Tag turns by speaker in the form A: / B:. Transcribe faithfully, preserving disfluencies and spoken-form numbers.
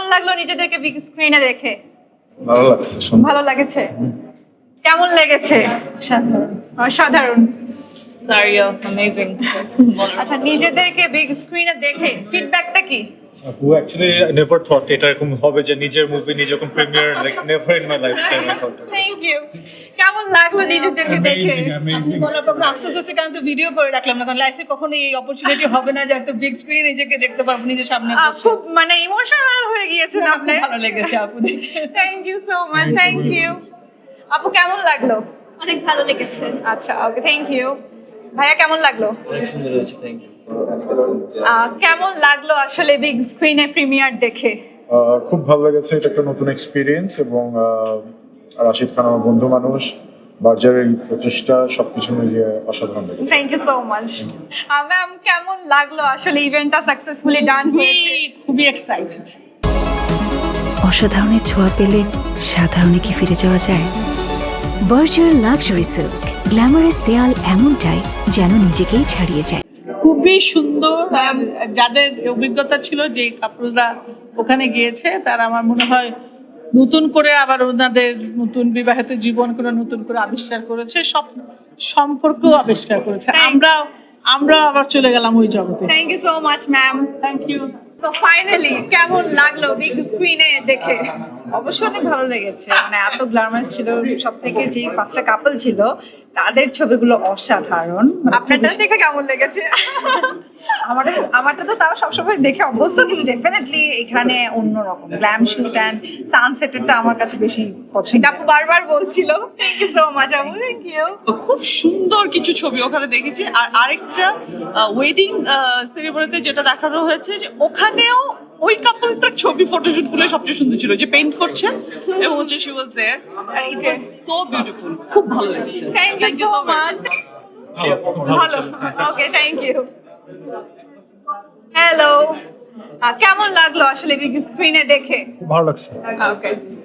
A: লাগলো নিজেদেরকে বিগ স্ক্রিনে দেখে?
B: ভালো লাগছে,
A: ভালো লাগেছে। কেমন লেগেছে?
C: সাধারণ।
A: অসাধারণ।
C: Sorry, amazing.
A: আচ্ছা, নিজেদেরকে বিগ স্ক্রিনে দেখে ফিডব্যাকটা কি?
B: Who actually never thought এটা এরকম হবে যে নিজের মুভি নিজে যখন premiere, like never in my lifetime I thought.
A: Thank you. কেমন লাগলো নিজেদেরকে দেখে?
C: বলার পর আফসোস হচ্ছে কারণ তো ভিডিও করে রাখলাম না, কারণ লাইফে কখনো এই অপরচুনিটি হবে না যে এত বিগ স্ক্রিন নিজেকে দেখতে পারবো নিজের সামনে
A: আহ,
C: বসে।
A: খুব মানে ইমোশনাল হয়ে গিয়েছেন
C: খুব
A: আপনি।
C: ভালো লেগেছে আপু দেখে।
A: Thank you so much, thank you. আপু কেমন লাগলো?
D: অনেক ভালো লেগেছে।
A: আচ্ছা, ওকে, থ্যাংক ইউ। ভাইয়া কেমন লাগলো?
E: অনেক সুন্দর হয়েছে, থ্যাংক ইউ।
A: আহ, কেমন লাগলো আসলে বিগ স্ক্রিনে প্রিমিয়ার দেখে?
F: আহ, খুব ভালো লেগেছে, এটা একটা নতুন এক্সপিরিয়েন্স এবং আহ, রাশিদ খান আমার বন্ধু মানুষ, বার্জারের এই প্রচেষ্টা সবকিছু মিলিয়ে অসাধারণ লেগেছে।
A: Thank you so much. Ma'am, কেমন লাগলো আসলে ইভেন্টটা সাকসেসফুলি ডান হয়েছে?
C: খুবই এক্সাইটেড।
G: অসাধারণের ছোঁয়া পেলে সাধারণে কি ফিরে যাওয়া যায়? বার্জার লাক্সারি সিল্ক, গ্ল্যামারাস দেয়াল এমনটাই যেন নিজেকেই ছাড়িয়ে যায়।
C: খুবই সুন্দর। আর যাদের অভিজ্ঞতা ছিল যে কাপড়রা ওখানে গিয়েছে তারা আমার মনে হয় নতুন করে আবার ওনাদের নতুন বিবাহিত জীবন করে নতুন করে আবিষ্কার করেছে, সব সম্পর্ক আবিষ্কার করেছে। আমরা আমরা আবার চলে গেলাম ওই জগতে।
A: Thank you so much ma'am.
C: Thank you.
A: তো ফাইনালি কেমন লাগলো বিগ স্ক্রিনে দেখে?
H: অবশ্যই অনেক ভালো লেগেছে, মানে এত গ্ল্যামারাস ছিল, সব থেকে যে পাঁচটা কাপল ছিল তাদের ছবিগুলো অসাধারণ। মানে
A: আপনারটা দেখে কেমন লেগেছে?
H: আমার আমারটা তো তাও সবসময় দেখে অভ্যস্ত, কিন্তু ডেফিনেটলি এখানে অন্যরকম গ্ল্যাম শুট অ্যান্ড সানসেটেরটা আমার কাছে বেশি পছন্দ।
A: আপু বারবার বলছিল। থ্যাংক ইউ সো মাচ আপু, থ্যাংক ইউ।
I: খুব সুন্দর কিছু ছবি ওখানে দেখেছি। আর আরেকটা ওয়েডিং সেরিমনিতে যেটা দেখানো হয়েছে যে ওখানেও ওই কাপলটার ছবি ফটোশুট গুলো সবচেয়ে সুন্দর ছিল, যে পেইন্ট করছে এবং হচ্ছে she was there and it was so beautiful. খুব ভালো লেগেছে।
A: Thank you so much. ভালো, ওকে, থ্যাংক ইউ। হ্যালো, কেমন লাগলো আসলে বিগ স্ক্রিনে দেখে?
F: ভালো লাগছে।
A: ওকে।